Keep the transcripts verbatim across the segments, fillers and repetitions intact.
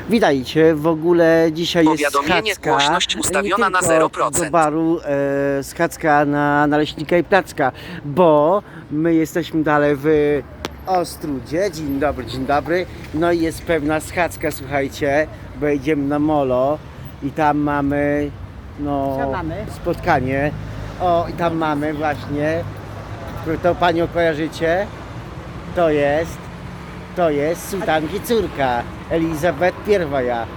Witajcie, w ogóle dzisiaj jest Powiadomienie, schadzka, głośność ustawiona nie na tylko zero procent. do baru e, schadzka na Naleśnika i Placka, bo my jesteśmy dalej w Ostrudzie. Dzień dobry, dzień dobry. No i jest pewna schadzka, słuchajcie, bo idziemy na molo i tam mamy, no, Co mamy? spotkanie. O, i tam mamy właśnie, to panią kojarzycie? To jest, to jest sułtanki córka, Elizabeth Pierwoja.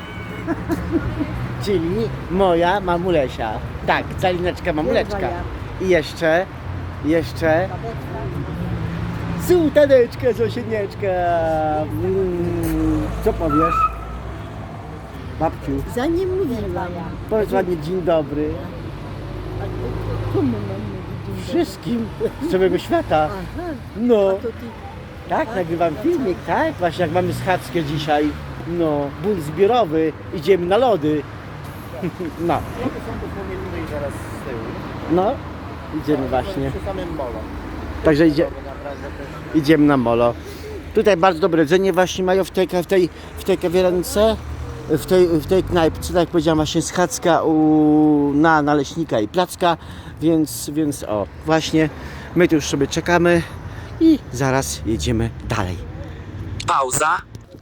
Czyli moja mamulesia. Tak, calineczka mamuleczka. Pierwoja. I jeszcze, jeszcze sułtaneczka, zosienieczka. Mm, co powiesz? Babciu, Za nim mówiłam. powiedz ładnie dzień dobry. Komu mam mówić? Wszystkim z całego świata. Aha, No. a to ty... Tak, nagrywam filmik, tak? Właśnie jak mamy schadzkę dzisiaj, no, ból zbiorowy, idziemy na lody. No, Lody są dosłownie tutaj zaraz z tyłu. no, idziemy właśnie. Przy samym molo. Także idzie, Naprawdę też idziemy na molo. Tutaj bardzo dobre jedzenie właśnie mają w tej, w tej, w tej kawiarence, w tej, w tej knajpce, tak jak powiedziałem, właśnie schadzka u, na Naleśnika i Placka, więc, więc o, właśnie my tu już sobie czekamy i zaraz jedziemy dalej. Pauza.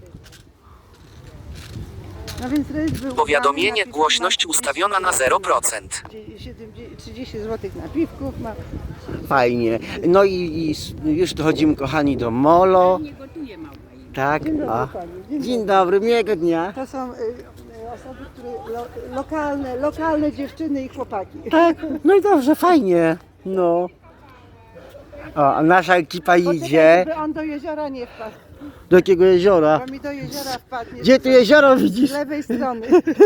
No więc rejs był Powiadomienie, napisy głośność ma- ustawiona na zero procent. trzydzieści złotych napiwków ma. Fajnie. No i, i s- już dochodzimy, kochani, do molo. Tak, Dzień dobry a. pani. Dzień Dzień dobry, miłego dnia. To są y, y, osoby, które lo, lokalne, lokalne dziewczyny i chłopaki. Tak, no i dobrze, fajnie. No. O, a nasza ekipa Poczekaj, idzie. żeby on do jeziora nie wpadł, Do jakiego jeziora? bo mi do jeziora wpadnie. Gdzie tu jezioro Z widzisz? lewej strony.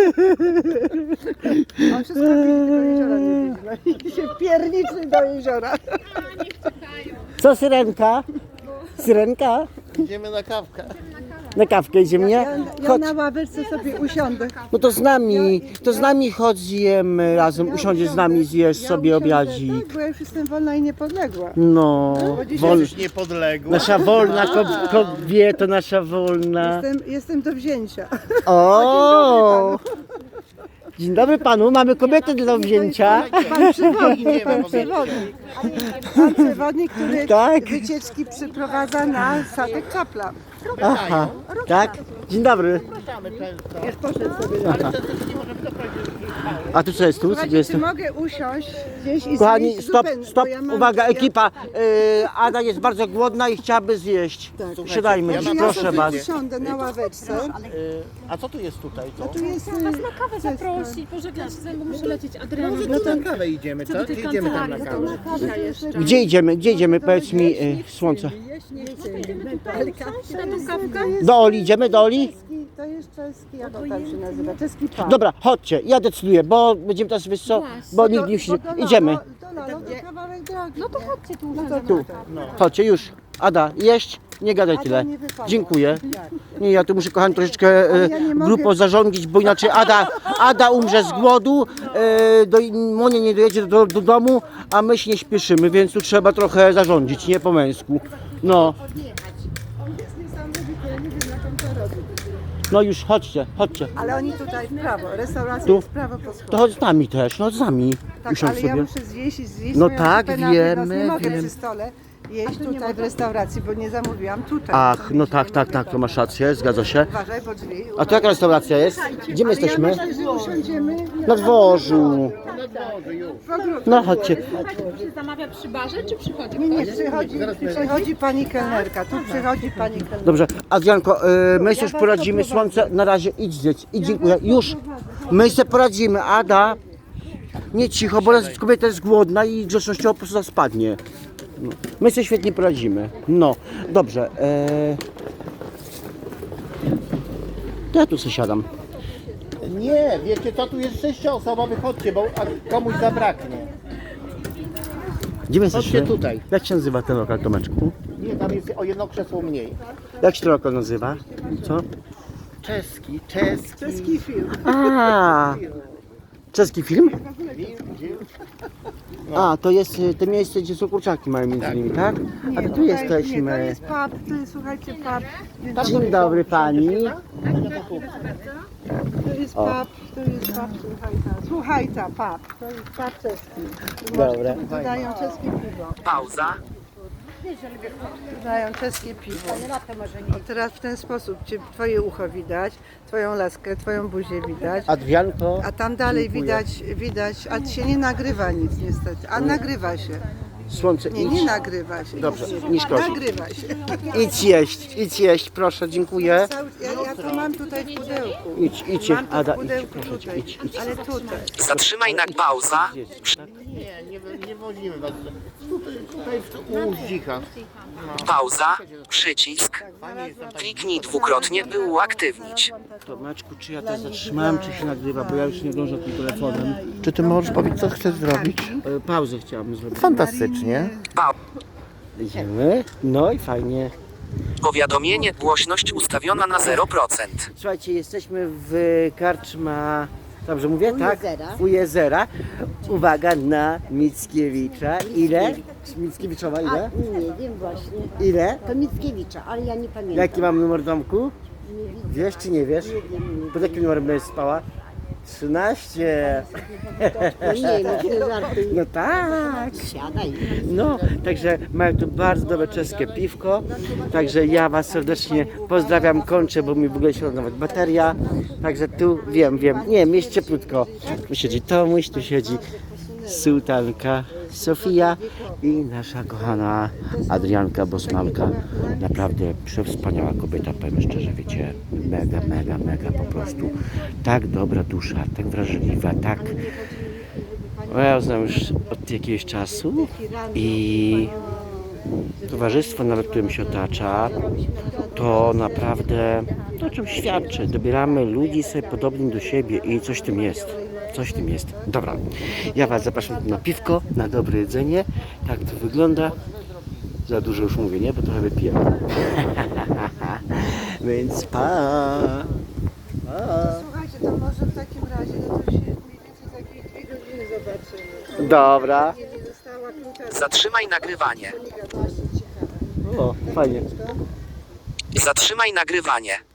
On wszystko widzi, do jeziora nie widzi. No i się pierniczy do jeziora. Co, syrenka? Syrenka? idziemy na kawkę. Na kawkę idziemy, Ja, nie? ja Chodź. na ławeczce sobie usiądę. No to z nami, to z nami chodź, zjemy razem, usiądziesz z nami, zjesz Ja sobie usiądę, obiadzik. Tak, bo ja już jestem wolna i niepodległa. No, dzisiaj wol, Już niepodległa. nasza wolna kob- kobieta, nasza wolna. Jestem, jestem do wzięcia. O! Dzień dobry panu, mamy kobietę do wzięcia. Pan przewodnik, Idziemy pan po przewodnik. Pan przewodnik, który Tak. wycieczki przyprowadza na statek Czapla. Aha, tak? Dzień dobry. Zapraszamy często. Już poszedł sobie. Aha. A tu co jest tu? Co tu Słuchajcie, jest czy tu? mogę usiąść gdzieś i Kochani, zjeść stop, zupę, stop, bo ja mam- uwaga, ja- ekipa. Yy, Ada jest bardzo głodna i chciałaby zjeść. Tak. Siadajmy, Ja Może mam ja proszę sobie was. usiądę na ławeczce. Y, A co tu jest tutaj? Co? Tu jest... Chciałam was na kawę zaprosić, pożegnać się, bo muszę lecieć. Adriana, No to na kawę idziemy, co? do Czy tej idziemy tam na kancelarii, kawę? Kasia jeszcze. Gdzie idziemy? Gdzie idziemy? Powiedz mi, yy, słońce. na tą kawkę? Do Oli idziemy? Do Oli? Czeski, to jest czeski, jak on tam się nazywa? Czeski pan. Dobra, chodźcie, ja decyduję, bo będziemy teraz, wiesz co, bo nikt nie musi... Idziemy. Do Lalo, to kawałek drogi. No to chodźcie tu. No to Tu. Chodźcie, już. Ada, jeść? Nie gadaj Ada tyle. nie wypada. Dziękuję. Jak? Nie, ja tu muszę, kochani, troszeczkę Ale e, ja nie mogę- grupą zarządzić, bo inaczej Ada, Ada umrze z głodu, e, do, Monia nie dojedzie do, do domu, a my się nie śpieszymy, więc tu trzeba trochę zarządzić, nie po męsku. No, On jest niesamowity, ja nie wiem jak on to robi. no już, chodźcie, chodźcie. Ale oni tutaj w prawo, restauracja Tu? jest w prawo po schodach. To chodź z nami też, no z nami. Tak, Usiądź ale ja sobie. muszę zjeść i zjeść No swoją tak, zupę na wynos. wiemy, Nie mogę wiemy. przy stole jeść tutaj w restauracji, bo nie zamówiłam tutaj. Ach, no Nie tak, mogę tak, tak, to masz rację, zgadza się. Uważaj, bo drzwi. A to jaka restauracja jest? Gdzie my Ale ja jesteśmy? myślę, że usiądziemy Na dworzu. w ogródku. No chodźcie. Się zamawia przy barze, czy przychodzi? Nie, nie, przychodzi, przychodzi pani kelnerka, tu przychodzi pani kelnerka. Dobrze, Adrianko, y, my sobie już poradzimy, słońce, na razie idź zjedz i dziękuję, już, my sobie poradzimy, Ada, nie cicho, bo raz kobieta jest głodna i grzecznościowo po prostu spadnie. No. My sobie świetnie poradzimy, no, dobrze, e... to ja tu sobie siadam. Nie, wiecie co? Tu jest sześcioosobowy, chodźcie, bo a komuś zabraknie. Gdzie my Chodźcie jesteśmy? tutaj. Jak się nazywa ten lokal, Tomeczku? Nie, tam jest o jedno krzesło mniej. Jak się ten lokal nazywa? Co? Czeski, czeski. Czeski film. A, Czeski film? A, to jest y, to miejsce, gdzie są kurczaki mają między innymi, tak? A to tu tutaj- Nie, to jesteśmy. jest pub, to jest, słuchajcie, pub. Dzień dobry pani. To jest O. pub, to jest pub, słuchajta. Słuchajta, pub. To jest pub czeski. Tu Dobra. masz- Podają czeskie piwo. Pauza. Podają czeskie piwo. O, teraz w ten sposób cię, twoje ucho widać, twoją laskę, twoją buzię widać. Adrianko. A tam dalej dziękuję. widać, widać, a się nie nagrywa nic niestety. A nagrywa się. Słońce, Nie, idź. nie nagrywa się. Dobrze, nie szkodzi. Nagrywa się. Idź jeść, idź jeść, proszę, dziękuję. Cały- Ja, ja to mam tutaj w pudełku. Idź, idź, Mam to Ada, w idź, pudełku proszę cię, tutaj. idź, idź. Ale tutaj. Zatrzymaj na pauza. Nie, nie, nie wozimy was. Tutaj, tutaj w- u Zdzicha. Pauza. Przycisk. Kliknij dwukrotnie, by uaktywnić. To Maczku, czy ja to zatrzymałem, czy się nagrywa, bo ja już nie dążę tym telefonem. Czy ty możesz powiedzieć, co chcesz zrobić? E, Pauzę chciałabym zrobić. Fantastycznie. Pa Idziemy. No i fajnie. Powiadomienie, głośność ustawiona na zero procent. Słuchajcie, jesteśmy w karczma, dobrze mówię, tak? U jezera. Uwaga na Mickiewicza. Ile? Mickiewiczowa ile? Nie wiem właśnie. Ile? To Mickiewicza, ale ja nie pamiętam. Jaki mam numer domku? Wiesz czy nie wiesz? Pod jakim numerem będziesz spała? trzynaście. No nie, no nie żartuj. No tak. Siadaj. No, także mają tu bardzo dobre czeskie piwko. Także ja Was serdecznie pozdrawiam, kończę, bo mi w ogóle się ładować bateria. Także tu wiem, wiem, nie, jest cieplutko. Tu siedzi Tomuś, tu siedzi sułtanka Sofia i nasza kochana Adrianka Bosmanka. Naprawdę przewspaniała kobieta, powiem szczerze, wiecie, mega, mega, mega po prostu. Tak dobra dusza, tak wrażliwa, tak... No, ja ją znam już od jakiegoś czasu i towarzystwo, nawet którym się otacza, to naprawdę to o czym świadczy. Dobieramy ludzi sobie podobnych do siebie i coś w tym jest. Coś w tym jest. Dobra, ja Was zapraszam na piwko, na dobre jedzenie. Tak to wygląda. Za dużo już mówię, nie? Bo trochę wypiję. Więc pa! pa. Słuchajcie, to może w takim razie, no to się mniej więcej za jakieś dwie godziny zobaczymy. Dobra. Nie, nie dostała klucza. Zatrzymaj nagrywanie. O, fajnie. Zatrzymaj nagrywanie.